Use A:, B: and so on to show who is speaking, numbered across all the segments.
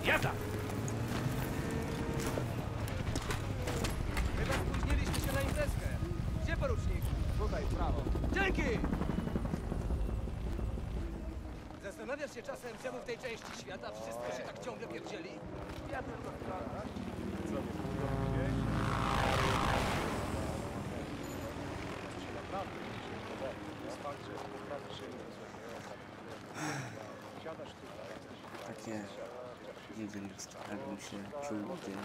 A: Jazda!
B: Chyba spóźniliśmy się na imprezkę. Gdzie porucznik? Tutaj, w prawo. Dzięki! Zastanawiasz się czasem, czemu w tej części świata wszystko się tak ciągle pierdzieli? Ja tylko sprawdzam. Co nie było gdzieś? Co się naprawdę dzisiaj podoba? Jest fakt, że naprawdę się siadasz tutaj, jesteś
C: Takie, nie wiem, jakbym się czuł gdzieś.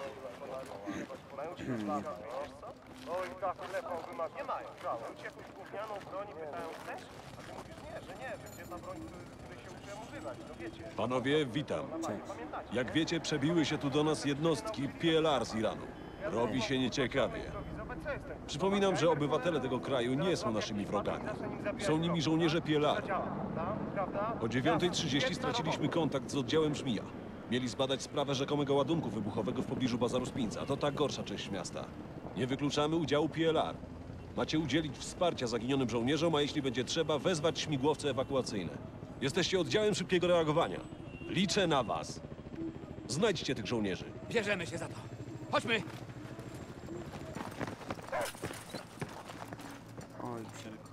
D: Oj, tak, lepą wymagać. Nie mają. Brałem ci jakąś gównianą broń i pytają, chcesz? A ty mówisz, że gdzie ta broń, której się uczyłem używać, no wiecie.
E: Panowie, witam.
C: Cześć.
E: Jak wiecie, przebiły się tu do nas jednostki PLR z Iranu. Robi się nieciekawie. Przypominam, że obywatele tego kraju nie są naszymi wrogami. Są nimi żołnierze PLR. O 9:30 straciliśmy kontakt z oddziałem Żmija. Mieli zbadać sprawę rzekomego ładunku wybuchowego w pobliżu bazaru Spinca. To ta gorsza część miasta. Nie wykluczamy udziału PLR. Macie udzielić wsparcia zaginionym żołnierzom, a jeśli będzie trzeba, wezwać śmigłowce ewakuacyjne. Jesteście oddziałem szybkiego reagowania. Liczę na was. Znajdźcie tych żołnierzy.
A: Bierzemy się za to. Chodźmy!
C: Oj, wszelko.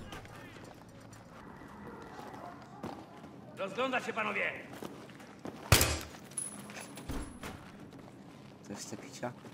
A: Rozglądać się, panowie!
C: Coś chce picia?